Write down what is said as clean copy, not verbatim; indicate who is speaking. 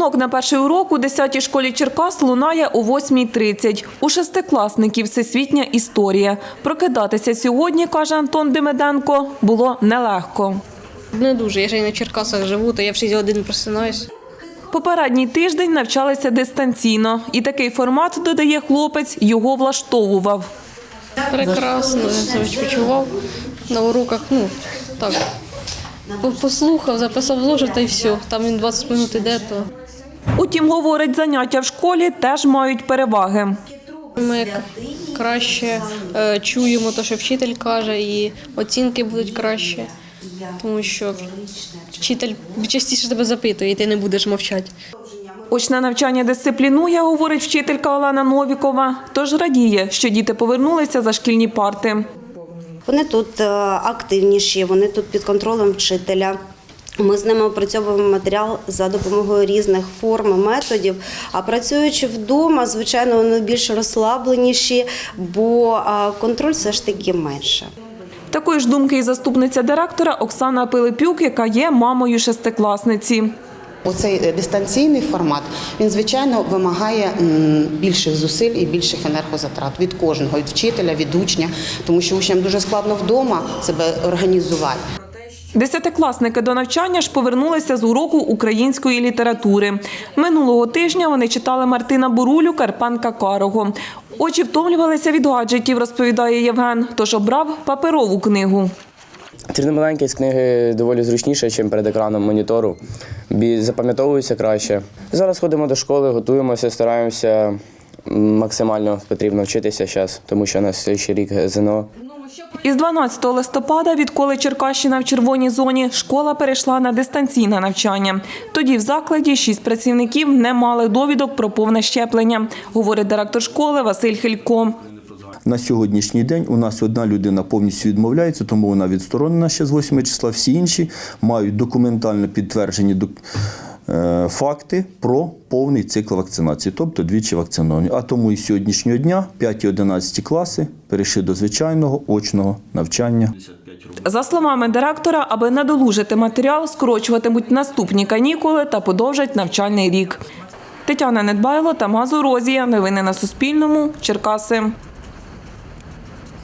Speaker 1: Дзвінок на перший урок у 10-й школі Черкас лунає о 8:30. У шестикласників всесвітня історія. Прокидатися сьогодні, каже Антон Демиденко, було нелегко.
Speaker 2: Не дуже. Я ж і на Черкасах живу, то я в 6 годин просинаюсь.
Speaker 1: Попередній тиждень навчалися дистанційно. І такий формат, додає хлопець, його влаштовував.
Speaker 2: Прекрасно, я відпочивав на уроках, так. Послухав, записав зошит і все. Там він 20 хвилин йде, то...
Speaker 1: Утім, говорить, заняття в школі теж мають переваги.
Speaker 2: Ми краще чуємо те, що вчитель каже, і оцінки будуть краще, тому що вчитель частіше тебе запитує, і ти не будеш мовчати.
Speaker 1: Очне навчання дисциплінує, говорить вчителька Олена Новікова, тож радіє, що діти повернулися за шкільні парти.
Speaker 3: Вони тут активніші, вони тут під контролем вчителя. Ми з ними опрацьовуємо матеріал за допомогою різних форм і методів. А працюючи вдома, звичайно, вони більш розслабленіші, бо контроль все ж таки менше.
Speaker 1: Такої ж думки і заступниця директора Оксана Пилипюк, яка є мамою шестикласниці.
Speaker 4: Оцей дистанційний формат, він, звичайно, вимагає більших зусиль і більших енергозатрат від кожного, від вчителя, від учня, тому що учням дуже складно вдома себе організувати.
Speaker 1: Десятикласники до навчання ж повернулися з уроку української літератури. Минулого тижня вони читали Мартина Бурулю «Карпенка Карого». Очі втомлювалися від гаджетів, розповідає Євген, тож обрав паперову книгу.
Speaker 5: Читати маленькі з книги доволі зручніше, ніж перед екраном монітору. Запам'ятовуються краще. Зараз ходимо до школи, готуємося, стараємося максимально потрібно вчитися зараз, тому що на наступний рік ЗНО.
Speaker 1: Із 12 листопада, відколи Черкащина в червоній зоні, школа перейшла на дистанційне навчання. Тоді в закладі 6 працівників не мали довідок про повне щеплення, говорить директор школи Василь Хилько.
Speaker 6: На сьогоднішній день у нас одна людина повністю відмовляється, тому вона відсторонена ще з 8 числа. Всі інші мають документально підтверджені факти про повний цикл вакцинації, тобто двічі вакциновані. А тому і з сьогоднішнього дня 5 і 11 класи перейшли до звичайного очного навчання.
Speaker 1: За словами директора, аби надолужити матеріал, скорочуватимуть наступні канікули та подовжать навчальний рік. Тетяна Недбайло, Тамас Орозія. Новини на Суспільному. Черкаси.